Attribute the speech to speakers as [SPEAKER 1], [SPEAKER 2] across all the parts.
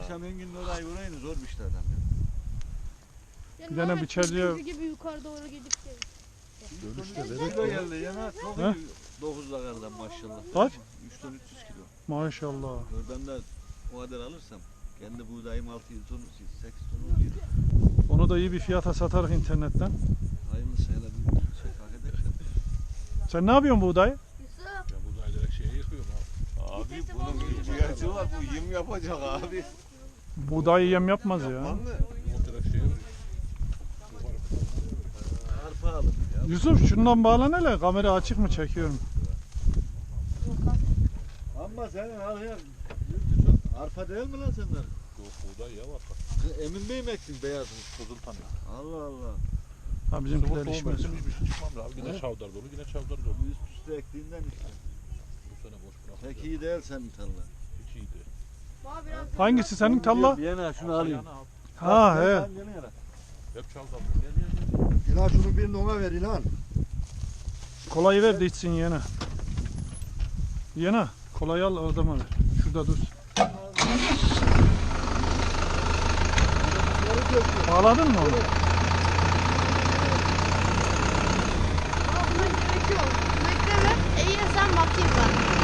[SPEAKER 1] Akşam Engin'le orayı vurayım zor bir işlerden.
[SPEAKER 2] Bir tane biçerciye gibi yukarı doğru gidip
[SPEAKER 1] Dönüşte kilo geldi yana çok iyi 9'da kardan maşallah.
[SPEAKER 2] Kaç?
[SPEAKER 1] 3 ton 300 kilo.
[SPEAKER 2] Maşallah.
[SPEAKER 1] Oradan da o kadar alırsam kendi buğdayım 6-7 ton 8 ton oluyor.
[SPEAKER 2] Onu da iyi bir fiyata satarız internetten.
[SPEAKER 1] Hayırlısı hele bir şey hak edersen.
[SPEAKER 2] Sen ne yapıyorsun buğdayı?
[SPEAKER 3] Ya buğday direkt şeye yıkıyorum abi.
[SPEAKER 1] Abi bunun ihtiyacı var bu yem yapacak abi.
[SPEAKER 2] Buğdayı yem yapmaz ya.
[SPEAKER 1] Yapmam mı?
[SPEAKER 3] O direkt şeye vuruyor.
[SPEAKER 1] Arpa alın ya.
[SPEAKER 2] Yusuf şundan bağlan hele. Kamera açık mı çekiyorum?
[SPEAKER 1] Ama senin al ya. Arpa değil mi lan senden?
[SPEAKER 3] Yok buğday ya var.
[SPEAKER 1] Emin Bey mi ektin beyazını?
[SPEAKER 3] Kızıltanı.
[SPEAKER 1] Allah Allah.
[SPEAKER 2] Ha bizimkiler işmez.
[SPEAKER 3] Hiçbir şey çıkmam abi. Yine çavdar dolu, yine çavdar dolu.
[SPEAKER 1] Üst üste ektiğinden işte.
[SPEAKER 3] Bu sene boş bırak.
[SPEAKER 1] Pek iyi değil senin tarla.
[SPEAKER 3] Hiç iyiydi.
[SPEAKER 2] Hangisi senin talla?
[SPEAKER 1] Yana şunu alayım.
[SPEAKER 2] Ha he.
[SPEAKER 3] Hep çavdar.
[SPEAKER 4] İlan şunu birini ona ver İlan.
[SPEAKER 2] Kolayı ver de içsin yene. Yene. Kolayı al adama ver. Şurada dur. Bağladın mı onu?
[SPEAKER 5] Buna gerek yok. Bekleme. İyi sen bakayım ben.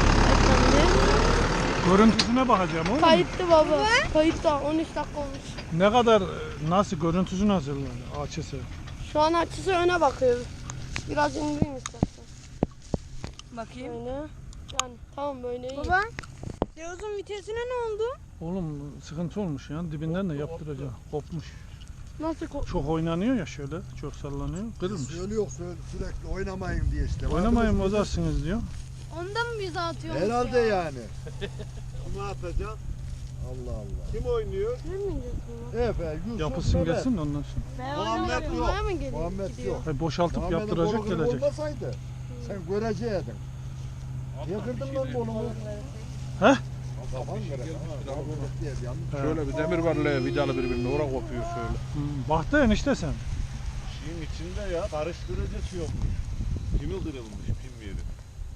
[SPEAKER 2] Görüntüsüne bakacağım oğlum.
[SPEAKER 5] Kayıttı baba. Kayıtta 13 dakika olmuş.
[SPEAKER 2] Ne kadar nasıl görüntüsü nasıl açısı?
[SPEAKER 5] Şu an açısı öne bakıyoruz. Biraz indireyim istersen.
[SPEAKER 6] Bakayım.
[SPEAKER 5] Böyle. Yani tamam böyle iyi.
[SPEAKER 6] Baba, Yavuz'un vitesine ne oldu?
[SPEAKER 2] Oğlum sıkıntı olmuş ya dibinden de yaptıracağım. Kopmuş.
[SPEAKER 5] Nasıl
[SPEAKER 2] Çok oynanıyor ya şöyle. Çok sallanıyor. Kırılmış.
[SPEAKER 4] Söylüyor sürekli oynamayın diye işte.
[SPEAKER 2] Oynamayın bozarsınız diyor.
[SPEAKER 6] Ondan mı bize atıyormuş
[SPEAKER 4] Herhalde
[SPEAKER 6] ya?
[SPEAKER 4] yani.
[SPEAKER 1] Kimi atacağım?
[SPEAKER 4] Allah Allah.
[SPEAKER 1] Kim oynuyor?
[SPEAKER 5] Ne mi diyorsun?
[SPEAKER 4] Efe, Yusuf,
[SPEAKER 2] Yapılsın
[SPEAKER 4] Mehmet.
[SPEAKER 2] gelsin de ondan sonra.
[SPEAKER 5] Ben
[SPEAKER 1] Muhammed
[SPEAKER 5] oynamıyorum.
[SPEAKER 1] yok.
[SPEAKER 5] Buraya mı geliyor?
[SPEAKER 4] Muhammed
[SPEAKER 5] Gidiyor.
[SPEAKER 4] yok.
[SPEAKER 2] Hayır, boşaltıp
[SPEAKER 4] Muhammed'in
[SPEAKER 2] yaptıracak
[SPEAKER 4] kolu
[SPEAKER 2] gelecek.
[SPEAKER 4] olmasaydı sen göreceydin. Niye kırdın lan kolumu?
[SPEAKER 2] He?
[SPEAKER 4] Kafan kırık. Muhammed diye bir yanlış.
[SPEAKER 3] Şöyle bir demir var le vidalı birbirine oraya kopuyor şöyle.
[SPEAKER 2] Baktı enişte sen.
[SPEAKER 1] Şeyin içinde ya karıştırıcı şey yokmuş. Pimi kırılmış pim yeri.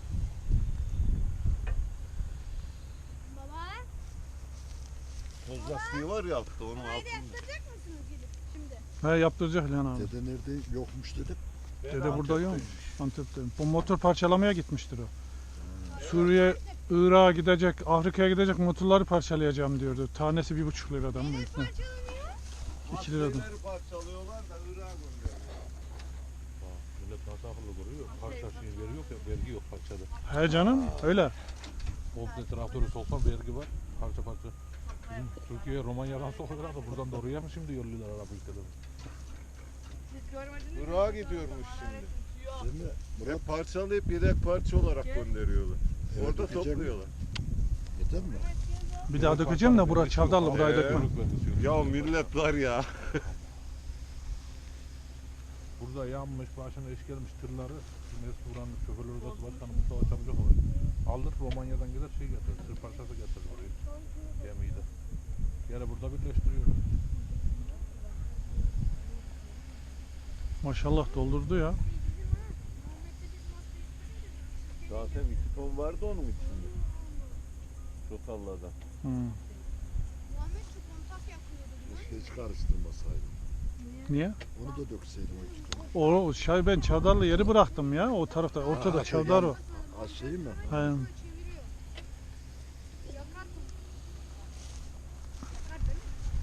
[SPEAKER 6] Baba,
[SPEAKER 1] Toz lastiği var ya altta onun altında.
[SPEAKER 6] yaptıracak mısınız gidip şimdi?
[SPEAKER 2] He yaptıracak lan abi.
[SPEAKER 4] Dede nerede yokmuş dedim.
[SPEAKER 2] Dede burada yok. Antep'te. Bu motor parçalamaya gitmiştir o. Suriye, Irak'a gidecek, Afrika'ya gidecek motorları parçalayacağım diyordu. Tanesi 1,5 liradan mı? Ne? 2 liradan.
[SPEAKER 1] Maskeleri parçalıyorlar da Irak'a gönderiyorlar.
[SPEAKER 3] Millet nasıl akıllı kuruyor? Parça şeyin veri yok ya, vergi yok parçada.
[SPEAKER 2] He canım öyle.
[SPEAKER 3] Komple traktörü soksan vergi var, parça parça. Bizim Türkiye'ye Romanya'dan sokuyorlar da buradan da oraya mı şimdi yolluyorlar Arap ülkeleri?
[SPEAKER 1] Irak'a gidiyormuş şimdi.
[SPEAKER 4] Değil mi?
[SPEAKER 1] Hep parçalayıp yedek parça olarak gönderiyorlar.
[SPEAKER 4] Evet,
[SPEAKER 1] Orada
[SPEAKER 4] dökecek mi?
[SPEAKER 1] topluyorlar.
[SPEAKER 4] Yeter mi?
[SPEAKER 2] Bir daha dökeceğim de bura çavdarlı burayı dökmem.
[SPEAKER 1] Ya millet var ya.
[SPEAKER 3] Burada yanmış, başına iş gelmiş tırları. Mesut Buran'ın şoförler odası başkanı Mustafa Çabucak var. Alır Romanya'dan gider şey getirir, tır parçası getirir buraya. Gemiyi de. Yine burada birleştiriyorlar.
[SPEAKER 2] Maşallah doldurdu ya.
[SPEAKER 1] Zaten 2 ton vardı onun içinde. Totallardan.
[SPEAKER 6] Muhammed şu kontak yapıyordu.
[SPEAKER 4] Keşke hiç karıştırmasaydım.
[SPEAKER 2] Niye?
[SPEAKER 4] Onu da dökseydim o 2 ton.
[SPEAKER 2] O şey ben çavdarlı yeri bıraktım ya o tarafta. Ortada
[SPEAKER 4] Ha,
[SPEAKER 2] çavdar o.
[SPEAKER 4] Az şey mi?
[SPEAKER 2] He.
[SPEAKER 6] Yakar beni.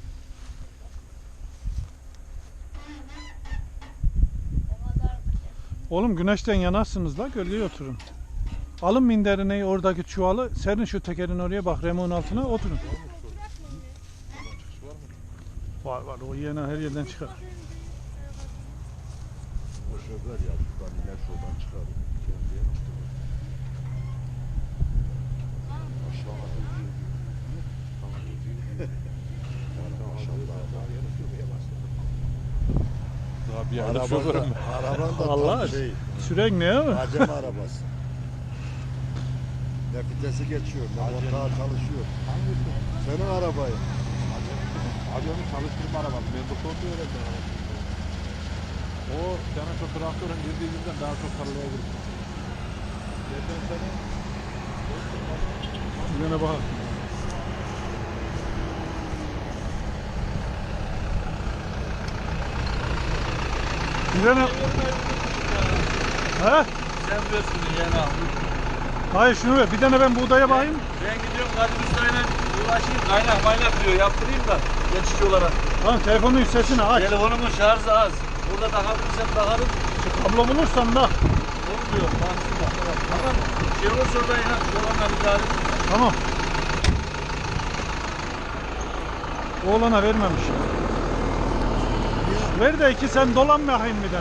[SPEAKER 2] Oğlum güneşten yanarsınız la gölgeye oturun. Alın minderini oradaki çuvalı serin şu tekerin oraya bak remonun altına oturun. Var var o yine her yerden çıkar.
[SPEAKER 4] O şoför ya şuradan iner şuradan çıkar. Kendiye Aşağı
[SPEAKER 3] Daha bir ayda şoförüm ben.
[SPEAKER 4] Araban da
[SPEAKER 2] Allah
[SPEAKER 4] tam şey.
[SPEAKER 2] Sürekli ne mi?
[SPEAKER 4] Acem arabası. Ne vitesi geçiyor, ne motor çalışıyor. Senin arabayı.
[SPEAKER 3] Acemi çalıştırma arabası. Ben bu sonunda öğrendim arabası. O senin şu traktörün girdiği günden daha çok tarlaya girdi. Geçen sene
[SPEAKER 2] Yine bak. Bir tane... He?
[SPEAKER 7] Sen biliyorsun yani abi.
[SPEAKER 2] Hayır şunu ver. Bir tane ben buğdaya bakayım.
[SPEAKER 7] Ben gidiyorum Kadir Usta'yla uğraşayım. Kaynak diyor. Yaptırayım da geçici olarak.
[SPEAKER 2] Tamam telefonun sesini aç.
[SPEAKER 7] Telefonumun şarjı az. Burada takabilirsem takarım.
[SPEAKER 2] Kablo bulursan da.
[SPEAKER 7] Olmuyor. Baksın bak. Tamam. Şey olursa oradan ya. Şuradan bir tarif.
[SPEAKER 2] Tamam. Oğlana vermemiş. Ver de iki sen dolan bakayım bir tane.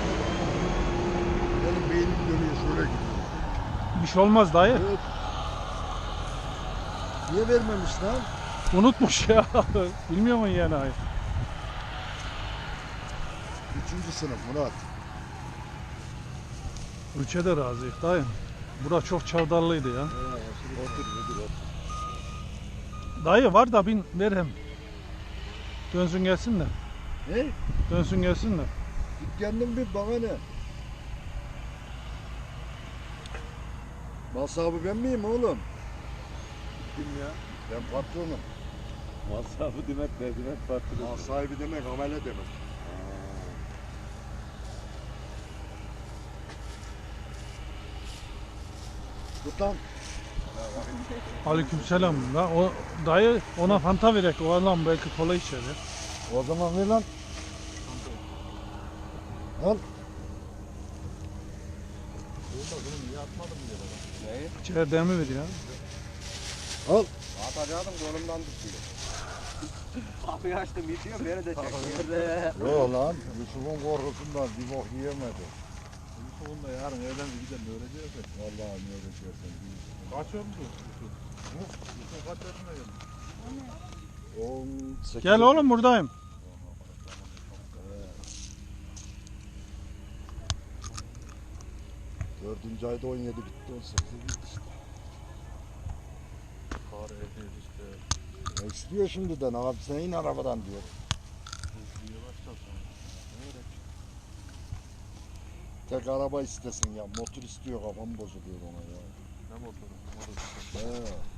[SPEAKER 4] Benim beynim dönüyor şöyle gidiyor.
[SPEAKER 2] Bir şey olmaz dayı.
[SPEAKER 4] Evet. Niye vermemiş lan?
[SPEAKER 2] Unutmuş ya. Bilmiyor musun yani hayır.
[SPEAKER 4] 3. sınıf Murat.
[SPEAKER 2] Ülke de razıyız dayı. Bura çok çavdarlıydı ya.
[SPEAKER 4] Otur.
[SPEAKER 2] Dayı var da bin ver hem. Dönsün gelsin de.
[SPEAKER 4] Ne?
[SPEAKER 2] Dönsün gelsin de.
[SPEAKER 4] Git kendin bir bana ne? Mal sahibi ben miyim oğlum?
[SPEAKER 1] Kim ya?
[SPEAKER 4] Ben patronum.
[SPEAKER 1] Masrafı demek ne demek farklı.
[SPEAKER 4] Mal sahibi demek amele demek. Tut lan.
[SPEAKER 2] Aleykümselam. La o dayı ona fanta verek. O adam belki kola içer ya.
[SPEAKER 4] O zaman ver lan. Al.
[SPEAKER 2] İçer demi ver ya.
[SPEAKER 4] Al.
[SPEAKER 7] Atacaktım kolumdan tutuyor. Kapıyı açtım bitiyor beni de çekiyor.
[SPEAKER 4] Yok lan. Yusuf'un korkusundan bir bok yiyemedi.
[SPEAKER 3] Yusuf'un da yarın evlendi gidelim öleceğiz de.
[SPEAKER 4] Vallahi ne öğretiyorsun.
[SPEAKER 3] Kaç oldu? Yusuf kaç yaşına geldi?
[SPEAKER 4] 18.
[SPEAKER 2] Gel oğlum buradayım.
[SPEAKER 4] Dördüncü ayda 17 bitti, 18'e bitti işte.
[SPEAKER 3] Kar ehliyiz işte.
[SPEAKER 4] Ne istiyor şimdiden abi sen in arabadan diyor.
[SPEAKER 3] Hızlıya başlasın.
[SPEAKER 4] Tek araba istesin ya motor istiyor kafam bozuluyor ona ya.
[SPEAKER 3] Ne motoru? Motoru.
[SPEAKER 4] He.